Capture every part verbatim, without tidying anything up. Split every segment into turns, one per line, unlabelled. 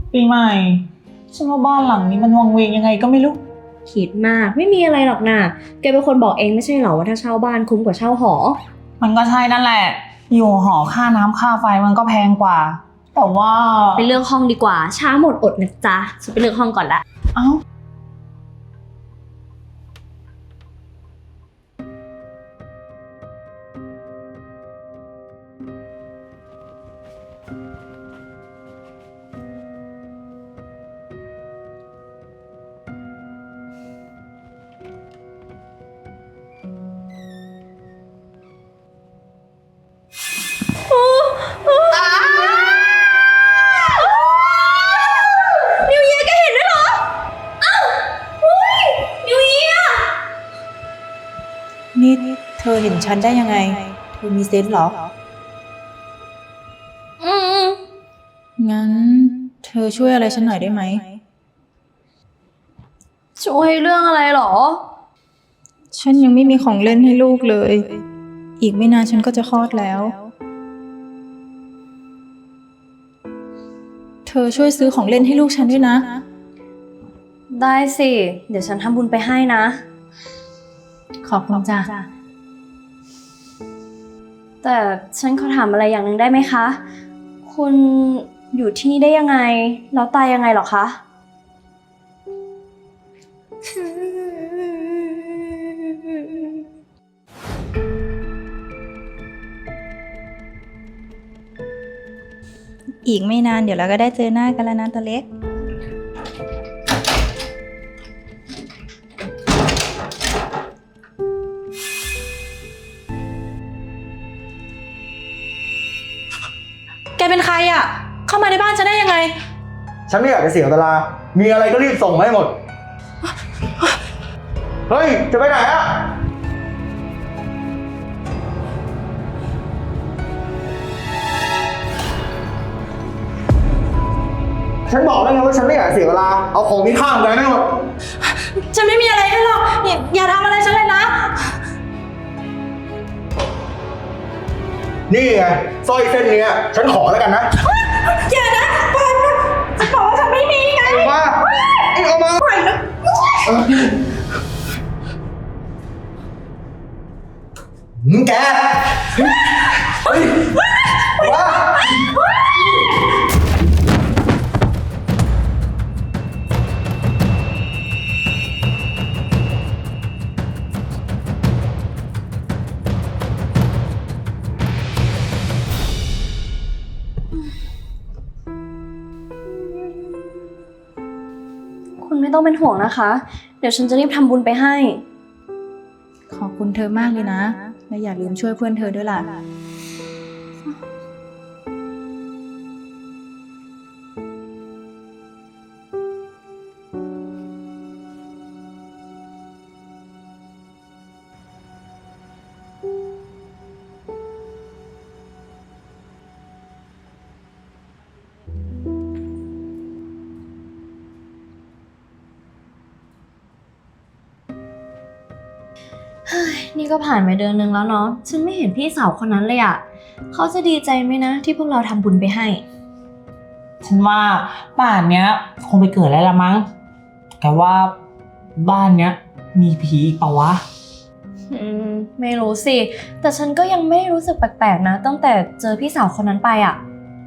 ปีใหม่ฉันว่าบ้านหลังนี้มันวังเวงยังไงก็ไม่รู้
คิดมากไม่มีอะไรหรอกนะแกเป็นคนบอกเองไม่ใช่เหรอว่าถ้าเช่าบ้านคุ้มกว่าเช่าหอ
มันก็ใช่นั่นแหละอยู่หอค่าน้ำค่าไฟมันก็แพงกว่าแต่ว่า
ไปเลือกห้องดีกว่าช้าหมดอดนะจ๊ะฉันไปเลือกห้องก่อนละ
เอ้า
นิวเยียแกเห็นด้วยเหรออ้าวเฮ้ยนิวเยีย
นี่เธอเห็นฉันได้ยังไงเธอมีเซนส์เหรอ
อืม
งั้นเธอช่วยอะไรฉันหน่อยได้ไหม
ช่วยเรื่องอะไรเหรอ
ฉันยังไม่มีของเล่นให้ลูกเลย อีกไม่นานฉันก็จะคลอดแล้ว เธอช่วยซื้อของเล่นให้ลูกฉันด้วยนะ
ได้สิเดี๋ยวฉันทำบุญไปให้นะ
ขอบคุณจ้ะ
แต่ฉันขอถามอะไรอย่างหนึ่งได้ไหมคะคุณอยู่ที่นี่ได้ยังไงแล้วตายยังไงหรอคะ
อีกไม่นานเดี๋ยวเราก็ได้เจอหน้ากันแล้วนะตัวเล็กแกเป็นใครอ่ะเข้ามาในบ้านฉันได้ยังไง
ฉันไม่อยากจะเสียเวลามีอะไรก็รีบส่งมาให้หมด เฮ้ย จะไปไหนอะฉันบอกแล้วไงว่าฉันไม่อยากเสียเวลา เอาของมีค่าไปให้หมด
ฉันไม่มีอะไรให้หรอกอย่าอย่าทำอะไรฉันเลยนะ
นี่ไงสร้อยเส้นเนี้ยฉันขอแล้วกันนะ
อย่านะปล่อยนะจะบอกว่าฉันไม่มีไง
เอามาเอ็งเอามาปล่อยนะมึงแกเฮ้ยมา
คุณไม่ต้องเป็นห่วงนะคะเดี๋ยวฉันจะรีบทำบุญไปให้
ขอบคุณเธอมากเลยนะและอย่าลืมช่วยเพื่อนเธอด้วยล่ะ
นี่ก็ผ่านไปเดือนนึงแล้วเนาะฉันไม่เห็นพี่สาวคนนั้นเลยอะเขาจะดีใจไหมนะที่พวกเราทำบุญไปให้
ฉันว่าป่านเนี้ยคงไปเกิดแล้วละมั้งแต่ว่าบ้านเนี้ยมีผีอีกเปล่าวะ
อืมไม่รู้สิแต่ฉันก็ยังไม่รู้สึกแปลกๆนะตั้งแต่เจอพี่สาวคนนั้นไปอะ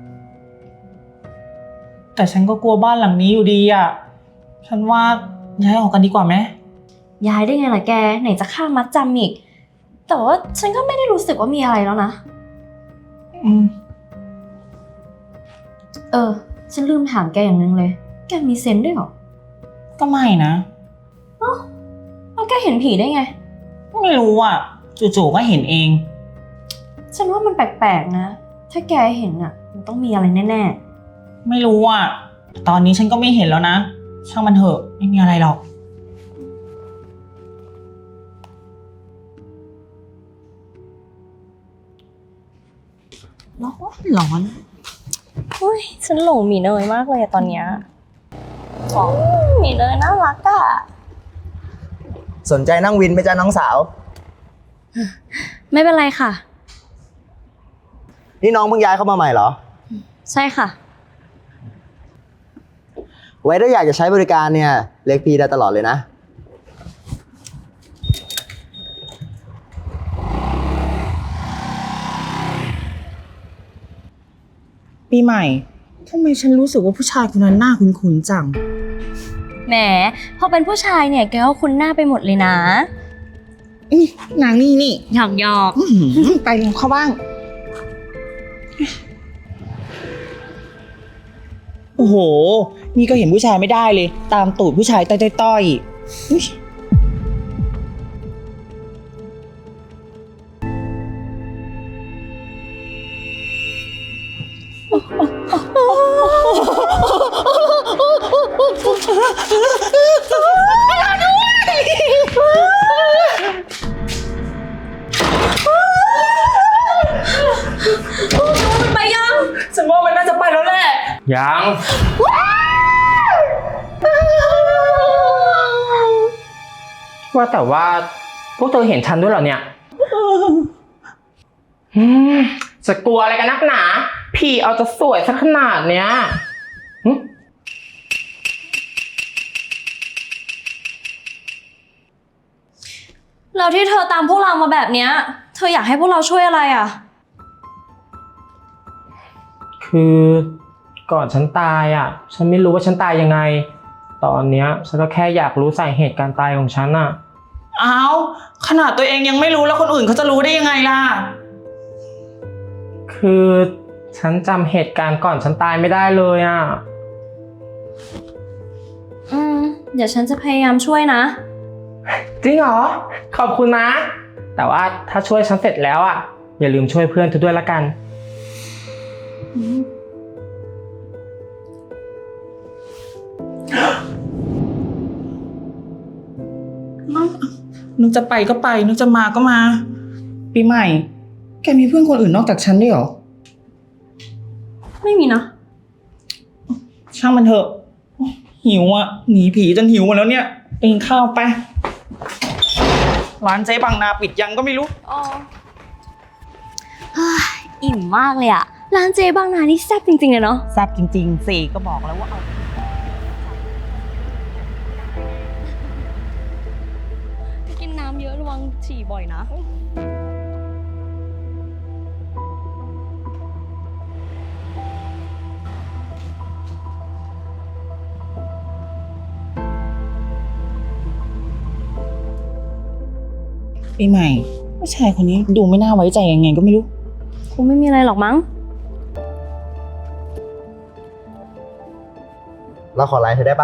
แต่ฉันก็กลัวบ้านหลังนี้อยู่ดีอ่ะฉันว่าย้ายออกกันดีกว่าไหม
ย้ายได้ไงล่ะแกไหนจะค่ามัดจำอีกแต่ว่าฉันก็ไม่ได้รู้สึกว่ามีอะไรแล้วนะ
อืม
เออฉันลืมถามแกอย่างนึงเลยแกมีเซนส์ด้วยเหรอ
ก็ไม่นะ
เอ้าแล้วแกเห็นผีได้ไง
ไม่รู้อ่ะจู่ๆก็เห็นเอง
ฉันว่ามันแปลกๆนะถ้าแกเห็นอ่ะมันต้องมีอะไรแน่
ๆไม่รู้อ่ะตอนนี้ฉันก็ไม่เห็นแล้วนะช่างมันเถอะไม่มีอะไรหรอกร้อนร้อน
อุ้ยฉันหลงหมีเนยมากเลยตอนเนี้ยของหมีเนยน่ารักอะ
สนใจนั่งวินไหมจ๊ะน้องสาว
ไม่เป็นไรค่ะ
นี่น้องเพิ่งย้ายเข้ามาใหม่เหรอ
ใช่ค่ะ
ไว้ถ้าอยากจะใช้บริการเนี่ยเรียกพี่ได้ตลอดเลยนะ
ปีใหม่ทำไมฉันรู้สึกว่าผู้ชายคนนั้นหน้าคุ้นๆจัง
แหม พอเป็นผู้ชายเนี่ยแกก็คุ้นหน้าไปหมดเลยนะ
นี่นางนี่นี่
หยอกหยอก
อื้อหือไปเร็วเข้าบ้าง โอ้โห นี่ก็เห็นผู้ชายไม่ได้เลย ตามตูดผู้ชายต้อยๆอุ๊ย
ไปยัง
ฉันว่ามันน่าจะไปแล้วแหละ
ยัง ว่าแต่ว่าพวกเธอเห็นฉันด้วยเหรอเนี่ยอืมจะกลัวอะไรกันนักหนา พี่เอาจะสวยสักขนาดเนี้ยหึ
แล้วที่เธอตามพวกเรามาแบบเนี้ย เธออยากให้พวกเราช่วยอะไรอ่ะ
คือก่อนฉันตายอ่ะ ฉันไม่รู้ว่าฉันตายยังไง ตอนเนี้ยฉันก็แค่อยากรู้สาเหตุการตายของฉันอ่ะ
อ้าว ขนาดตัวเองยังไม่รู้แล้วคนอื่นเขาจะรู้ได้ยังไงล่ะ
คือฉันจำเหตุการณ์ก่อนฉันตายไม่ได้เลยอ่ะ
อืม เดี๋ยวฉันจะพยายามช่วยนะ
จริงเหรอ ขอบคุณนะ แต่ว่าถ้าช่วยฉันเสร็จแล้วอ่ะ อย่าลืมช่วยเพื่อนเธอด้วยละกัน
นึกจะไปก็ไป นึกจะมาก็มา ปีใหม่ แกมีเพื่อนคนอื่นนอกจากฉันด้วยเหรอ
ไม่มีนะ
ช่างมันเถอะ หิวอ่ะ หนีผีจนหิวหมดแล้วเนี่ยไปกินข้าวไป ร้านเจ๊บางนาปิดยังก็ไม่รู้
อ๋ออิ่มมากเลยอะร้านเจบางนานี่แซ่บจริงๆเลยเนาะ
แซ่บจริงๆสี่ก็บอกแล้วว่าเอา
กินน้ำเยอะระวังฉี่บ่อยนะ
ปีใหม่ผู้ชายคนนี้ดูไม่น่าไว้ใจยังไงก็ไม่รู้
คงไม่มีอะไรหรอกมั้ง
เราขอไลน์เธอได้ปะ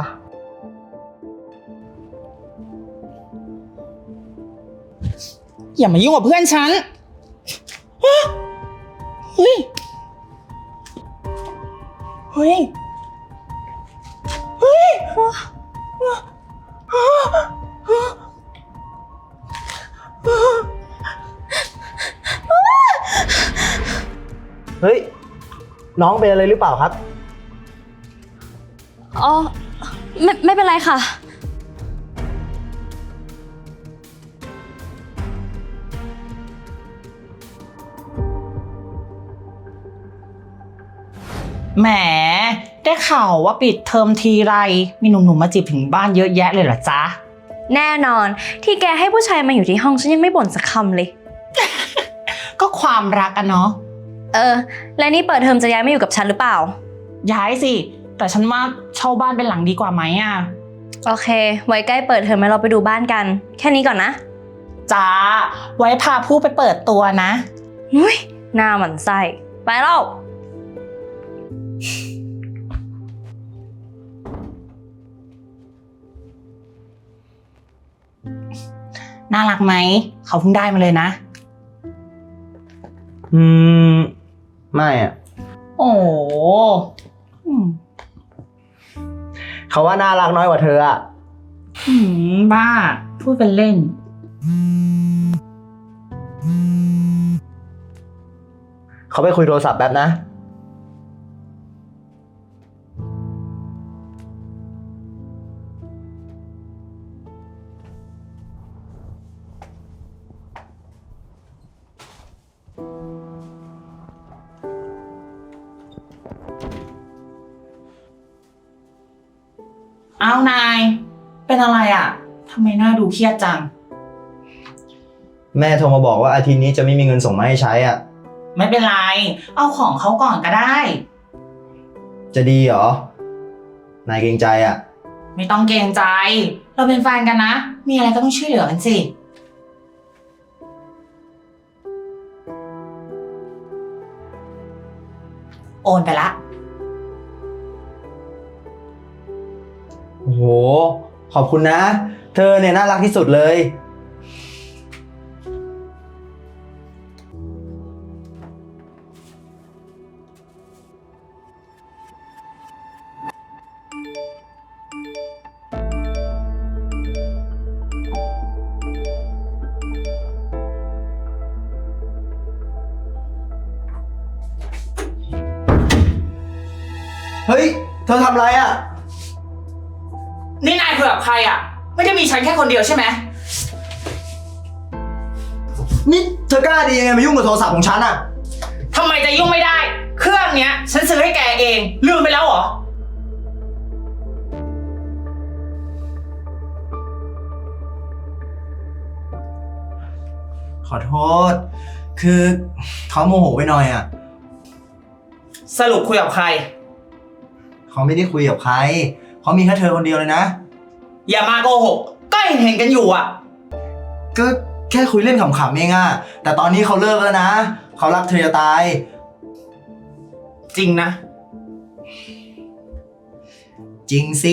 อย่ามายุ่งกับเพื่อนฉันฮะเฮ้ย เฮ้ย เฮ้ย
เฮ้ย น้องเป็นอะไรหรือเปล่าครับ
อ๋อ ไม่ไม่เป็นไรค่ะ
แหม ได้ข่าวว่าปิดเทอมทีไร มีหนุ่มๆมาจีบถึงบ้านเยอะแยะเลยเหรอจ๊ะ
แน่นอน ที่แกให้ผู้ชายมาอยู่ที่ห้องฉันยังไม่บ่นสักคำเลย
ก็ความรักอะเนาะ
เออ และนี่เปิดเทอมจะย้ายมาอยู่กับฉันหรือเปล่า
ย้ายสิ แต่ฉันว่าเช่าบ้านเป็นหลังดีกว่าไหมอะ
โอเค ไว้ใกล้เปิดเทอมแล้วเราไปดูบ้านกัน แค่นี้ก่อนนะ
จ้า ไว้พาผู้ไปเปิดตัวนะ
หุ้ยหน้าหมันไส้ ไปแล้ว
น่ารักไหม เขาเพิ่งได้มาเลยนะ
อืม ไม่อะ
โอ้โหอืม
เขาว่าน่ารักน้อยกว่าเธออะ
อืมบ้า พูดเป็นเล่น
เขาไปคุยโทรศัพท์แป๊บนะ
อ้าวนาย เป็นอะไรอ่ะทำไมหน้าดูเครียดจัง
แม่โทรมาบอกว่าอาทิตย์นี้จะไม่มีเงินส่งมาให้ใช้อ่ะ
ไม่เป็นไร เอาของเขาก่อนก็ได้
จะดีเหรอ นายเกรงใจอ่ะ
ไม่ต้องเกรงใจ เราเป็นแฟนกันนะ มีอะไรก็ต้องช่วยเหลือกันสิ โอนไปละ
โอ้โห ขอบคุณนะ เธอเนี่ยน่ารักที่สุดเลย เฮ้ย เธอทำอะไรอ่ะ
นี่นายคุยกับใครอ่ะ ไม่ได้มีฉันแค่คนเดียวใช่ไหม
นี่เธอกล้าดียังไงมายุ่งกับโทรศัพท์ของฉันอ่ะ
ทำไมจะยุ่งไม่ได้ เครื่องเนี้ย ฉันซื้อให้แกเอง ลืมไปแล้วเหรอ
ขอโทษ คือเขาโมโหไปหน่อยอ่ะ
สรุปคุยกับใคร
เขาไม่ได้คุยกับใคร เขามีแค่เธอคนเดียวเลยนะ
อย่ามาโกหก ก็เห็นเห็นกันอยู่อ่ะ
ก็แค่คุยเล่นขำๆเองอะแต่ตอนนี้เขาเลิกแล้วนะ เขารักเธอจะตาย
จริงนะ
จริงสิ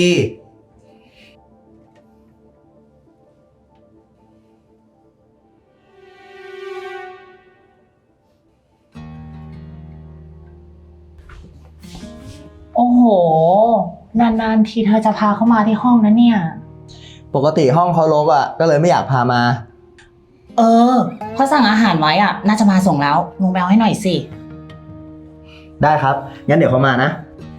โอ้โห นานๆทีเธอจะพาเข้ามาที่ห้องนะเนี่ย
ปกติห้องเขารกอะก็เลยไม่อยากพามา
เออเขาสั่งอาหารไว้อ่ะ น่าจะมาส่งแล้วลงไปเอาให้หน่อยสิ
ได้ครับ งั้นเดี๋ยวเขามานะ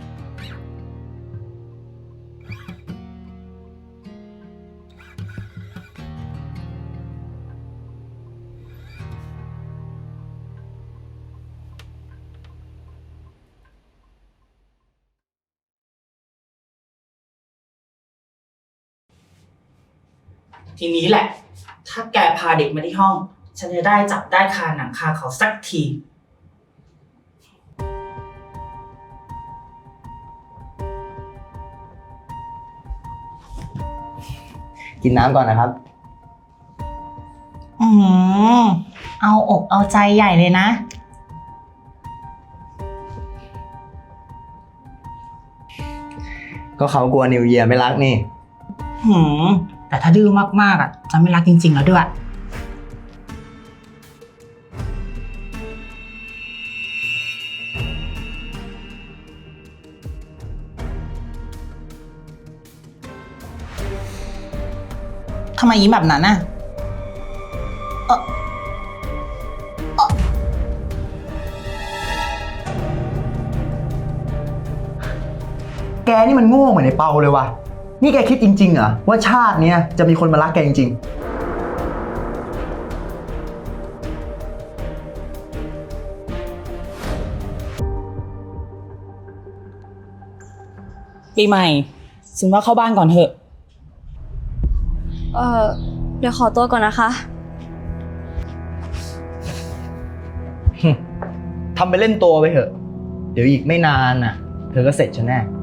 ทีนี้แหละ ถ้าแกพาเด็กมาที่ห้อง ฉันจะได้จับได้คาหนังคาเขาสักที
กินน้ำก่อนนะครับ
อืมเอาอกเอาใจใหญ่เลยนะ
ก็เขากลัวนิวเยียร์ไม่รักนี่
หืม แต่ถ้าดื้อมากๆอ่ะ จะไม่รักจริงๆแล้วด้วย ทำไมยิ้มแบบนั้นน่ะ เออ
แกนี่มันโง่เหมือนไอ้เปาเลยว่ะ นี่แกคิดจริงๆเหรอว่าชาติเนี้ยจะมีคนมารักแกจริงๆ
ปีใหม่ฉันว่าเข้าบ้านก่อนเถอะ
เออเดี๋ยวขอตัวก่อนนะคะ
ทำไปเล่นตัวไปเถอะ เดี๋ยวอีกไม่นานน่ะ เธอก็เสร็จฉันแน่